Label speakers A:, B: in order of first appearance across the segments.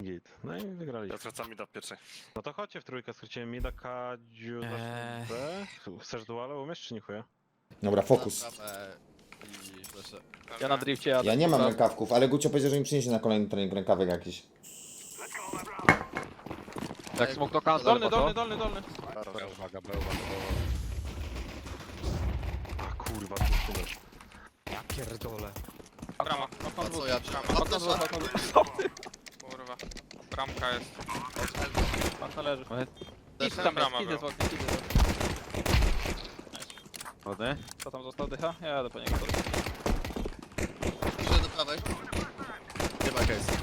A: Git. No i wygrali.
B: Ja zwracam mi do pierwszej.
A: No to chodźcie w trójkę, skrócimy mida, Kadziu, B. Chcesz duale umiesz czy nie chuja?
C: Dobra, fokus.
D: Ja na drifcie jadę.
C: Ja nie mam rękawków, ale Gucio powiedział, że mi przyniesie na kolejny trening rękawek jakiś.
D: Jak smok to cancel,
E: Dolny.
D: Uwaga,
A: A kurwa, ty szumesz.
D: Ja pierdolę.
E: Brama.
F: A co ja?
D: Okno było.
E: Kurwa. Bramka jest.
D: Okno leży.
E: Też
D: Tam
E: brama
D: jest, idę
E: był.
D: z okna, idę z okna.
G: Ładny.
D: Co tam został, dycha? Ja jadę po niego.
F: Idę do prawej. Nie ma case.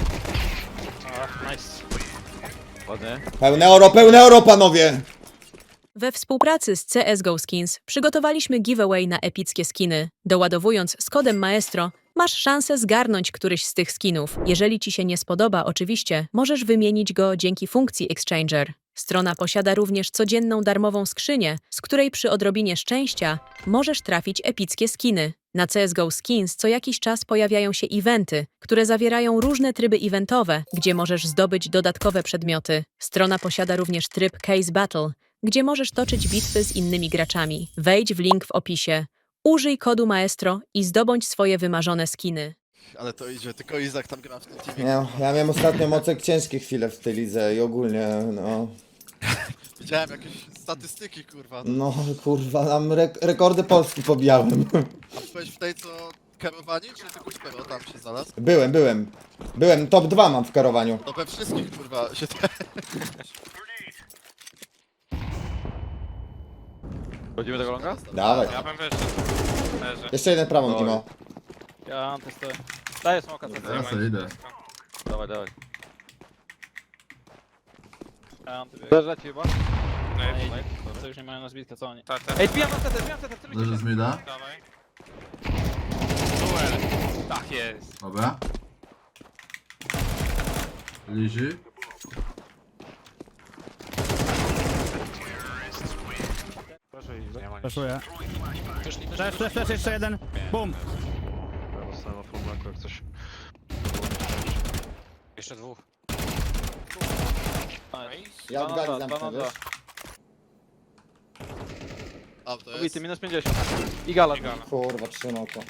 D: Nice.
G: Ładny.
C: Pełne euro, panowie!
H: We współpracy z CSGO Skins przygotowaliśmy giveaway na epickie skiny. Doładowując z kodem Maestro, masz szansę zgarnąć któryś z tych skinów. Jeżeli ci się nie spodoba, oczywiście, możesz wymienić go dzięki funkcji Exchanger. Strona posiada również codzienną darmową skrzynię, z której przy odrobinie szczęścia możesz trafić epickie skiny. Na CSGO Skins co jakiś czas pojawiają się eventy, które zawierają różne tryby eventowe, gdzie możesz zdobyć dodatkowe przedmioty. Strona posiada również tryb Case Battle, gdzie możesz toczyć bitwy z innymi graczami. Wejdź w link w opisie. Użyj kodu Maestro i zdobądź swoje wymarzone skiny.
F: Ale to idzie, tylko Izak tam gra w tym teamie.
C: Ja miałem ostatnio mocek ciężkie chwile w tej lidze i ogólnie, no...
F: Widziałem jakieś statystyki, kurwa.
C: No kurwa, tam rekordy Polski pobijałem.
F: A byłeś w tej co kierowani, czy tylko Szpero tam się znalazł?
C: Byłem, top 2 mam w kierowaniu.
F: No we wszystkich, kurwa, się
G: Chodzimy tego longa?
C: Dawaj.
E: Ja bym wyszedł. Leży.
C: Jeszcze jeden prawą, Dimo.
D: Ja testuję. Daję smoka, co
B: Ja
E: sobie
B: idę.
G: Dawaj, dawaj.
D: Ja biegł.
G: Też leci chyba?
D: To już nie mają na zbitkę, co oni?
E: Tak.
D: Ej, wbijam na CT, celujcie się.
B: mi da.
E: Dawaj. Duel. Tak jest.
B: Dobra. Liży.
A: Proszę
I: Flash, jeszcze jeden. Bum.
A: Ja dostałem na full blacku jak coś.
D: Jeszcze dwóch.
C: Ja od gali zamknę,
D: Dwa.
C: wiesz?
F: A, to jest...
D: Obity, minus 50. I gala.
E: Gala.
C: Kurwa, trzymał to.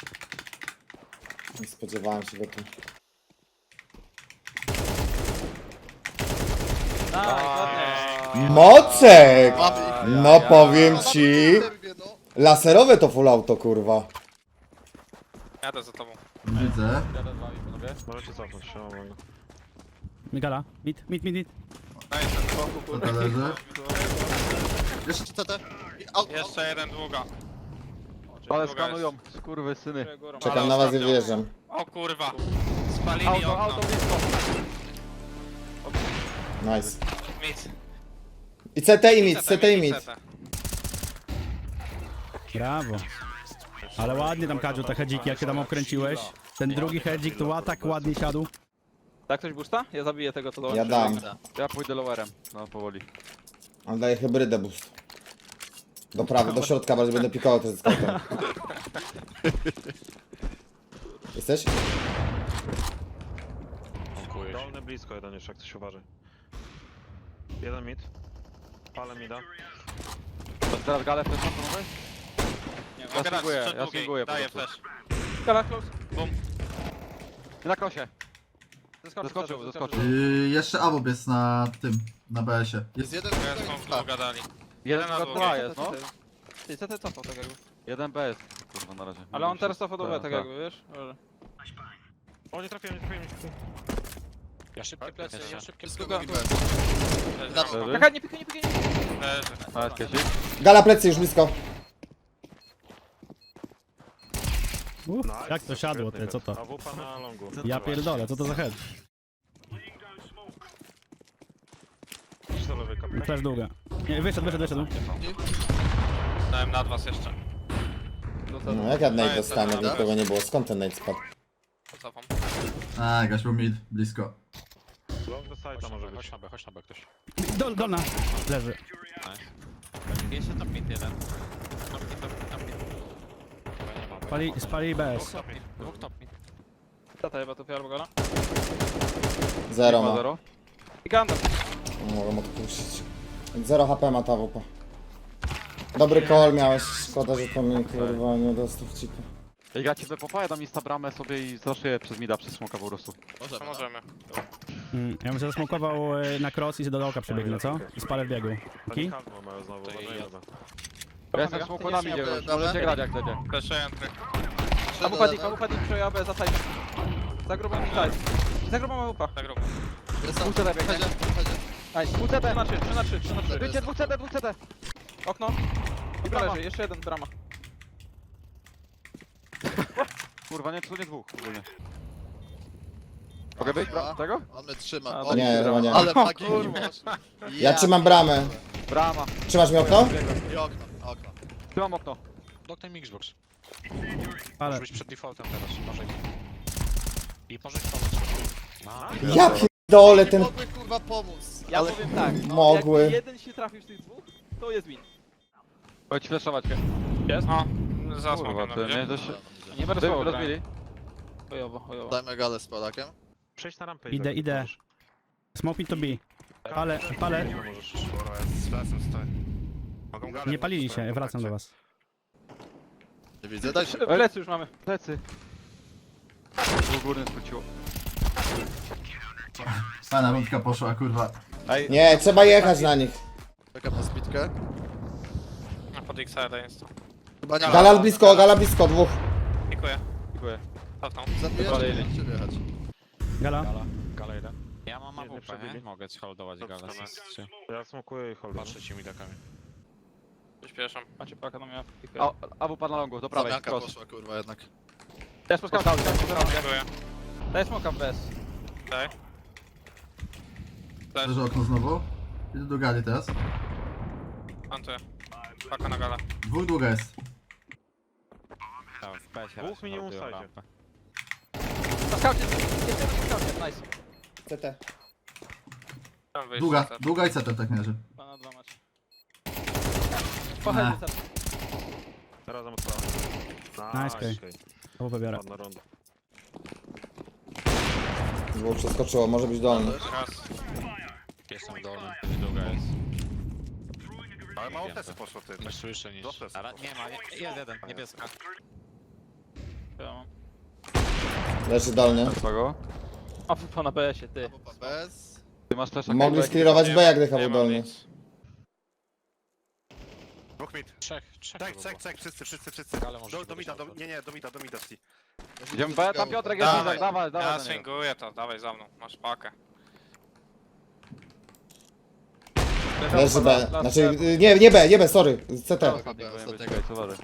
C: Nie spodziewałem się go tu. Mocek!
F: Mamy ich.
C: No powiem ci...
F: No.
C: Laserowe to full auto, kurwa.
E: Jadę za tobą.
B: Widzę.
G: Jadę z wami, panowie.
A: Możecie cofnąć się, no mogę.
I: Migala. Mid.
E: Daj ten.
B: To leży.
F: Jeszcze CT. Out,
E: Jeszcze jeden długa.
G: Ale
E: Druga
G: skanują, skurwysyny.
C: Czekam na was i wyjeżdżam.
E: O kurwa. Spalili
G: Auto,
E: okno.
G: auto blisko.
C: Nice.
E: Nic.
C: I CT i mid, CT i mid.
I: Brawo. Ale ładnie tam Kadziu te hedziki, jak się tam obkręciłeś. Ten drugi hedzik to tak ładnie siadł.
D: Tak ktoś boosta? Ja zabiję tego, co dołączy.
C: Ja dam.
G: Ja pójdę lowerem. No, powoli.
C: On daje hybrydę boost. Do prawej, do środka, bardziej będę pikował to ze skautem. Jesteś?
A: Dolny blisko jeden jeszcze, jak coś uważaj. Jeden mid. Palę mida.
G: To teraz galę w ten sposób, panowie?
E: Nie,
G: Ja swinguję,
E: przed
G: ja
E: długiej.
G: swinguję po
E: Daję
G: prostu.
E: flash.
D: Gala close.
G: Na krosie. Zeskoczył.
B: Jeszcze Abob jest na tym, na BS-ie.
F: Jest jeden
E: Ja
F: tutaj,
E: smoke
F: tak.
E: długa dali.
G: Jeden
E: na
G: na
E: długie.
G: dwa jest, no.
D: Ty, CT cofał tak jakby.
G: Jeden BS. Kurwa, na razie.
D: Ale on teraz cofał do B
G: Tak,
D: tak
G: tak.
D: jakby, wiesz? Może.
A: O, nie trafiłem.
E: Ja szybkie plecy, ja szybkie
F: Wszystko
D: Druga-
F: drugi bez.
E: plecy.
G: Leży.
D: Czekaj, nie pikaj.
E: Leży.
G: Nawet kiesik.
C: Gala plecy już blisko.
I: Jak to siadło, ty, co to?
A: A wupa na longu.
I: Ja pierdolę, co to za head?
A: Idź do lewej kapitanie.
I: Flash długa. Nie, wyszedł.
E: Dałem nad was jeszcze.
C: No jak ja nade dostanę, jak nikogo nie było. Skąd ten nade spadł?
E: Cofam.
B: A, jakaś był mid, blisko.
A: Long do side'a może być.
E: Chodź na B ktoś.
I: Dolna. Leży.
E: Jeszcze top mid jeden.
I: Spali BS.
E: Dwóch top mid.
D: Tata chyba tu albo gala.
C: Zero
G: Ma
C: ma.
G: zero.
D: I Gandalf.
C: Mogę odpuścić. 0 HP ma ta WP. Dobry call miałeś, szkoda, że to mi kurwa nie dostał chipy.
G: Jak ja cię wypopa, ja dam insta bramę sobie i zaszyję przez mida, przez smoka po prostu.
F: Możemy.
E: To
F: no.
E: możemy.
I: Ja bym się zasmokował na cross i do dołka przebiegnę, co? I spalę w biegu. Ki?
A: Oni kalmo mają znowu,
E: To
A: uważaj,
E: ja-
A: dobra.
G: Ja jestem smoku na midzie już, możecie grać jak chcecie.
E: Flashuję entry.
D: AWP dik, AWP dik, przejął AB za side. Za grubą i side. Za grubą AWP.
E: Na grubę.
C: Dwóch CT biegnie.
D: Nice.
G: Dwóch CT.
D: 3 na 3, 3 na 3, 3 na 3.
G: Wyjdźcie, dwóch CT, dwóch CT.
D: Okno. I
G: Brama.
D: leży, jeszcze jeden, brama.
G: Kurwa, nie, tu nie dwóch ogólnie. Mogę być
F: Dobra.
G: tego?
F: On mnie trzyma.
D: A,
F: O,
C: Nie, chyba nie.
F: Ale magii.
C: Ja trzymam bramę.
G: Brama.
C: Trzymasz mi okno?
F: I okno, okno.
G: Trzymam okno.
J: Doknij mi Xbox.
I: Ale
J: Może być przed defaultem teraz, może i może pomóc.
C: Ja pierdolę ten...
F: Mogły kurwa pomóc.
D: Ja
F: Ale
D: powiem tak, no,
C: Mogły.
D: jak jeden się trafił z tych dwóch, to jest win.
G: Chodź ci flashować.
E: O, za
G: Kurwa,
E: smokiem
G: ty
E: na
G: nie
E: midzie.
G: dość...
D: Nie będę
G: Wy
D: słowo
G: rozbili.
D: Chujowo, chujowo.
F: dajmy galę z Polakiem.
A: Przejdź na rampę i
I: idę,
A: tak
I: idę.
A: możesz.
I: Smoke me to be. Palę. Nie palili się, wracam do was.
F: Nie widzę, daj się.
D: Plecy już mamy.
G: Plecy. Dwóch górny skróciło.
B: Fajna rundka poszła, kurwa.
G: Ej,
C: Nie, trzeba jechać na nich.
F: Czekam na spitkę.
E: A pod X-side jest.
F: Chyba nie
C: Gala blisko, dwóch.
E: Dziękuję.
G: dziękuję.
E: Cofnął.
F: Zabiję,
G: Kolejny.
F: czy chcecie wjechać?
I: Gala.
J: Gala jeden. Ja mam
A: Nie
J: AWP,
A: przebili.
J: nie? Mogę holdować galę.
A: Ja smokuję i holduję.
J: Patrzę ci midakami.
E: Przyspieszam.
D: Macie paka na mnie.
G: A, AWP na longu, do prawej,
F: Zamianka
G: cross.
F: poszła kurwa jednak.
D: Ja spotkałem.
E: Dziękuję.
D: Daj smoka w BS.
E: Tak. Flash.
B: Leży okno znowu. Idę do gali teraz.
E: Plantuję. Paka na galę.
B: Dwóch długa jest.
J: Tam w PS-ie
A: Dwóch
J: raz
A: minimum
J: holdują
A: side.
J: rampę.
D: Na skaucie, jest jeden na skaucie, nice.
C: CT.
E: Tam wyjść.
B: Długa i CT tak mierzy.
D: 2 na 2 macie. Pochętnie set.
A: Teraz zamocowałem.
I: Nice, okej. To wybiorę.
A: Ładna ronda.
C: Dwóch przeskoczyło, może być dolny.
E: Raz.
J: Jestem dolny, długa jest.
A: Ale mało
J: Wiem,
A: tesy
J: to.
A: poszło, ty.
J: Nie słyszę nic.
A: Dostęp.
J: Ale nie ma, jest jeden, niebieska.
D: Ja mam.
C: Leży dolny.
G: Kogo?
D: A po na BS-ie, ty.
F: Popa bez.
G: Ty masz flasha.
C: Mogli sklirować B, jak dycha
E: Nie
C: był
E: mam
C: dolny.
E: nic.
A: Dwóch mid.
J: Trzech
A: Wszyscy.
J: Gale może
A: Do mida, do mida.
G: Idziemy B, tam Piotrek jest
E: Dawaj.
G: Izak, dawaj,
E: Ja
G: dawaj. na niego.
E: swinguję to, dawaj za mną. Masz pakę.
C: Leży B. Znaczy, nie B, sorry. CT.
G: Ostatni powinien być, okej, co dalej.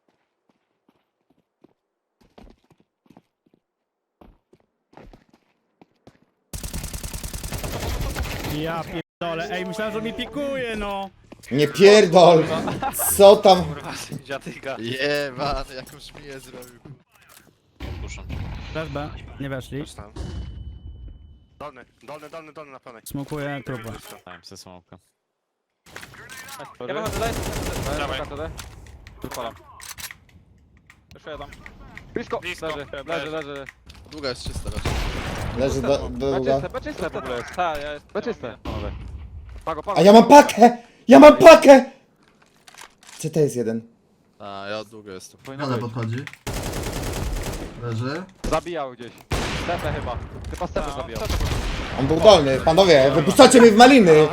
I: Ja pierdolę, ej, myślałem, że mi pikuje, no.
C: Nie pierdol. Co tam?
E: Kurwa, dziadyga.
F: Jebany, jakąś miję zrobił.
J: Puszczą.
I: Flash B, nie weszli.
A: Dolny na pełnej.
I: Smokuję trupę.
J: Dałem sobie smoka.
D: Ja wychodzę, daj.
E: Dawaj.
G: Wypalam.
D: Jeszcze jeden.
G: Blisko,
E: Blisko.
G: leży.
F: Długa jest czysta raczej.
C: Leży długa.
G: Beczyste w ogóle jest.
D: Tak, ja jestem.
G: Beczyste, panowie. Pago.
C: A ja mam pakę! Ja mam pakę! CT jest jeden.
F: A, ja długo jestem.
G: Powinno
B: Gala
G: być.
B: podchodzi. Leży.
G: Zabijał gdzieś. Stefę chyba. Chyba Stefę zabijał.
C: On był dolny. Panowie, wypuszczacie mnie w maliny!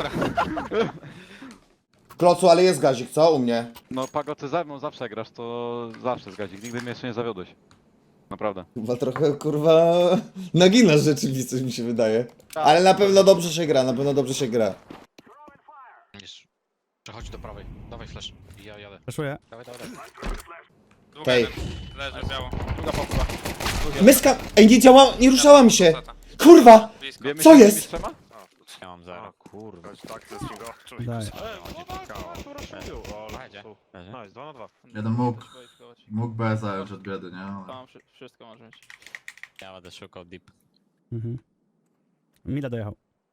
C: W klocu, ale jest gazik, co? U mnie.
G: No Pago, ty ze mną zawsze grasz, to zawsze zgadzik. Nigdy mnie jeszcze nie zawiodłeś. Naprawdę.
C: Chyba trochę, kurwa, naginasz rzeczywistość, mi się wydaje. Ale na pewno dobrze się gra,
J: Jest. Przechodź do prawej. Dawaj flash. I ja jadę.
I: Flashuję.
J: Dawaj.
E: Długa
C: Tej.
E: jeden. Leży biało.
D: Druga popła.
C: Myska! Ej, nie ruszała mi się! Kurwa!
E: Blisko.
G: Wiemy
C: Co
G: się z
C: jest?
G: tymi trzema?
J: Ja mam zero.
A: Kurwa.
I: Daj.
J: Będzie.
A: Nice, 2 na 2.
B: Jeden mógł B zająć od biedy, nie? Ale...
D: Tam wszystko może mieć.
J: Ja będę szukał deep.
I: Mhm. Mida dojechał.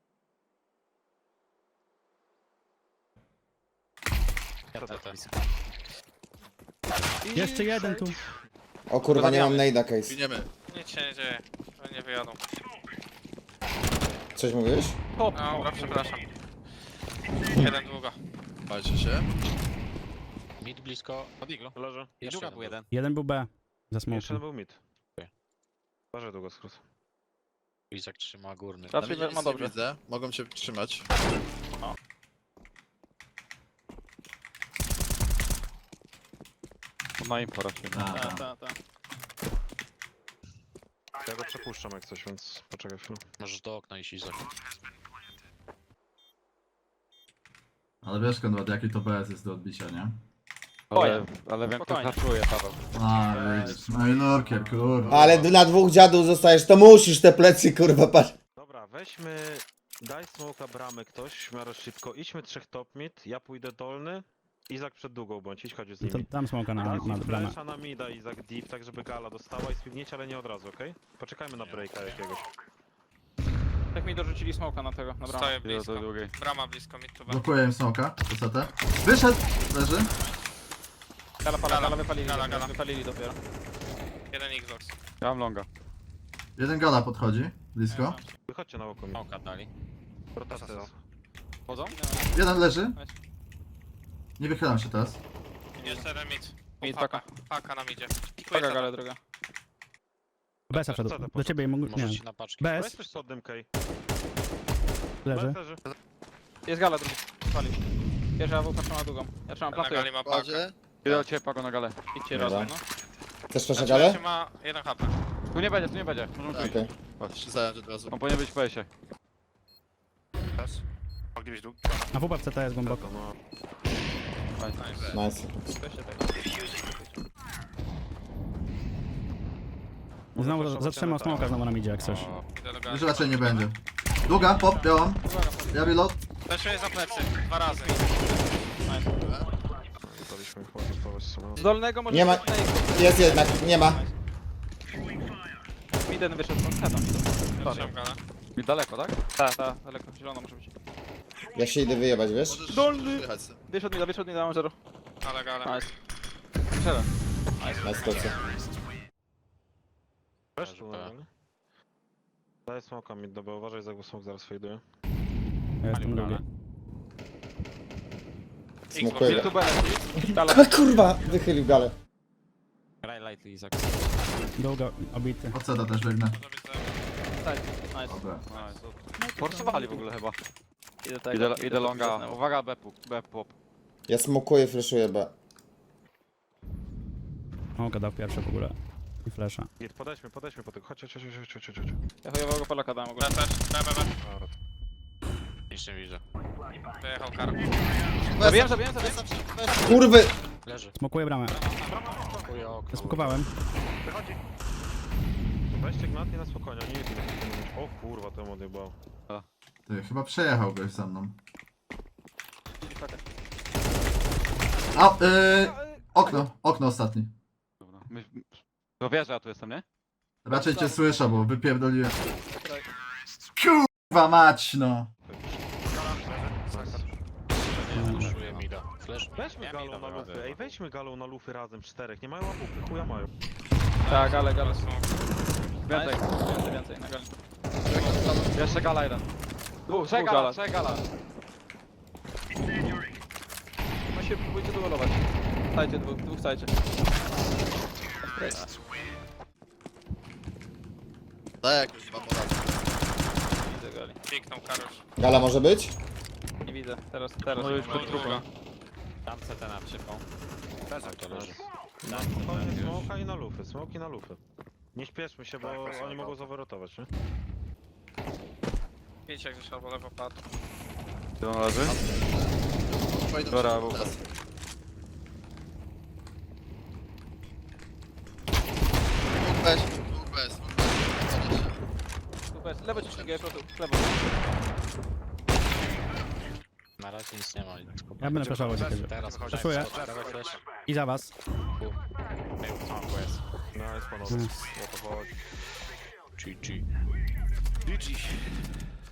J: Ja też.
I: Jeszcze jeden tu.
C: O kurwa, nie mam nade'a case.
F: Giniemy.
E: Nic się nie dzieje. Oni nie wyjadą.
C: Coś mówiłeś?
D: Top.
E: Dobra, przepraszam. Jeden długo.
F: Bajcie się.
J: Mid blisko od iglu.
A: Leży.
J: I druga był jeden.
I: Jeden był B. Za
A: Jeszcze jeden
I: smokiem.
A: był mid.
J: Okej.
A: Uważaj długo skrót.
J: Izak trzyma górny.
F: Na
D: Raczej
F: mnie nic
D: ma
F: nie
D: dobrze.
F: widzę. Mogą cię trzymać.
G: Na info raczej.
B: A,
D: Tak.
A: Ja go przepuszczam jak coś, więc poczekaj chwilę.
J: Możesz do okna iść, Izak.
B: Ale wiesz, Konrad, jaki to BS jest do odbicia, nie?
G: Ale wiem, kto
D: Spokojnie.
G: haczuje, Paweł.
B: A, widzisz. No i lurkier, kurwa.
C: Ale na dwóch dziadów zostajesz, to musisz te plecy, kurwa, patrz.
A: Dobra, weźmy... Daj smoka bramy ktoś w miarę szybko. Idźmy 3 top mid, ja pójdę dolny. Izak przed długą bądź, idź chodź z
I: To,
A: nimi.
I: tam smoka na
A: Daj
I: bramę.
A: flasha na mida, Izak deep, tak żeby gala dostała i spiwniecie, ale nie od razu, okej? Poczekajmy na breaka jakiegoś.
D: Jak mi dorzucili smoka na tego, na bramę.
E: Stoję
G: Idę do
E: blisko.
G: tej drugiej.
E: Brama blisko, mid to B.
B: Blokuję im smoka. Wysotę. Wyszedł! Leży.
D: Gala wypalili.
E: Gala.
D: Wypalili dopiero.
E: Jeden Xbox.
G: Ja mam longa.
B: Jeden gala podchodzi. Blisko.
A: Wychodźcie na oko mi.
J: Smoka dali.
A: Rotacja jest.
G: Chodzą?
B: Jeden leży. Nie wychylam się teraz.
E: Jeszcze jeden mid.
D: Mid,
E: Paka.
D: paka.
E: Paka nam idzie. Pikuję
D: Paka
E: sobie.
D: gala druga.
I: BS wszedł.
A: Co to
I: Do ciebie mógł. Nie.
J: Możesz ci na paczki.
A: Weź
I: BS
A: coś pod dymkę i...
I: leży.
A: leży.
D: Jest gala drugi. Pali. Pierwsza AWP trzyma długą. Ja trzymam
E: Na
D: plantuję.
E: gali ma pakę.
F: Kładzie.
G: Idę do ciebie, Pago, na galę.
D: Idźcie
C: Dobra.
D: razem, no.
C: Chcesz proszę
E: Znaczy,
C: galę?
E: jeszcze ma 1 HP.
G: Tu nie będzie, tu nie będzie. Możemy tu
C: Okej.
G: iść.
F: Się zająć od razu.
G: On powinien być w PS-ie.
E: Moglibyś długo.
I: A WP w CT jest głęboko.
A: No.
C: Nice.
D: Weźcie tego.
I: Znowu zatrzymał smoka znowu nam idzie jak coś.
E: Idę do gali.
B: Już raczej nie będzie. Długa, pop, białam. Ja reload.
E: Teszuję za plecy. 2 razy.
A: Daliśmy chyba dostawać sobie.
D: Z dolnego może...
C: Nie ma- Jest jednak, nie ma.
D: Miden wyszedł z heada.
E: Trzymam galę.
G: I daleko, tak?
D: Tak, daleko. Zielono może być.
C: Ja się idę wyjebać, wiesz?
F: Możesz
D: Dolny.
F: wyjechać sobie.
D: Wyszedł mi da, mam 0.
E: Ale galę.
D: Nice. Strzelę.
C: Nice, kocie.
A: Weź tu na galę. Daj smoka mid do B, uważaj za smok zaraz fejduje.
I: Ja jestem drugi.
C: Smokuję.
D: Tu belę. Gala.
C: A kurwa, wychylił galę.
J: Graj lightly, Izak.
I: Długo obity.
B: Od seta też biegnę.
E: Może być za...
D: Nice.
B: Dobra.
G: Forsowali w ogóle chyba.
D: Idę tego.
G: Idę longa. Uwaga, B pop.
C: Ja smokuję, flashuję B.
I: Smoka dał pierwsze w ogóle. I flasha.
A: Git, podejdźmy po tego. Chodź.
D: Ja chujowego Polaka dałem ogólnie.
E: B też. B.
A: Dobra.
J: Nic nie widzę.
E: Wyjechał kar.
D: Zabiłem.
C: Kurwy!
J: Leży.
I: Smokuję bramę.
J: Kupuję okno.
I: Zaspokowałem.
A: Weźcie gnatnie na spokojnie, nie jest. O kurwa, temu odjebał.
B: Ty, chyba przejechał goś za mną. A, okno ostatni.
G: Dobra. To wiesz, że ja tu jestem, nie?
B: Raczej cię słyszę, bo wypierdoliłem. Kurwa mać, no.
J: Puszuję mida. Flash.
A: Weźmy
J: Ja
A: galą
J: mida
A: na
J: wyrobię.
A: lufy, ej weźmy galą na lufy razem, 4. Nie mają łapówki, chuja mają.
D: Tak, gale.
G: Więcej.
D: Więcej na gali.
G: Jeszcze gala jeden.
D: Dwóch
G: Trzech gala.
D: No się próbujcie duelować. Stajcie, dwóch stajcie.
F: Daj jakoś wam poradę.
D: Widzę gali.
E: Piknął Karusz.
C: Gala może być?
D: Nie widzę. Teraz.
G: No już
D: nie
G: pod
D: ma.
G: drugą.
J: Tam CT na przypał. Tak to leży.
A: Na spokojnie smoka i na lufy, smoki na lufy. Nie śpieszmy się, bo oni mogą zawerotować, nie?
E: Wiecie jak gdzieś albo lewo padł.
G: Gdzie on leży?
F: Fajną
G: Dobra,
F: się
G: bo-
F: teraz. Dwóch bez.
D: Super. Lewo ci ścigaj, prosto. Lewo.
J: Na razie nic nie ma.
I: Ja będę flashował ciebie.
J: Teraz chodź.
I: Flashuję.
J: Dawaj flash.
I: I za was.
J: Smoku jest.
A: Nice panowie,
I: Nice.
A: o to chodzi.
J: GG.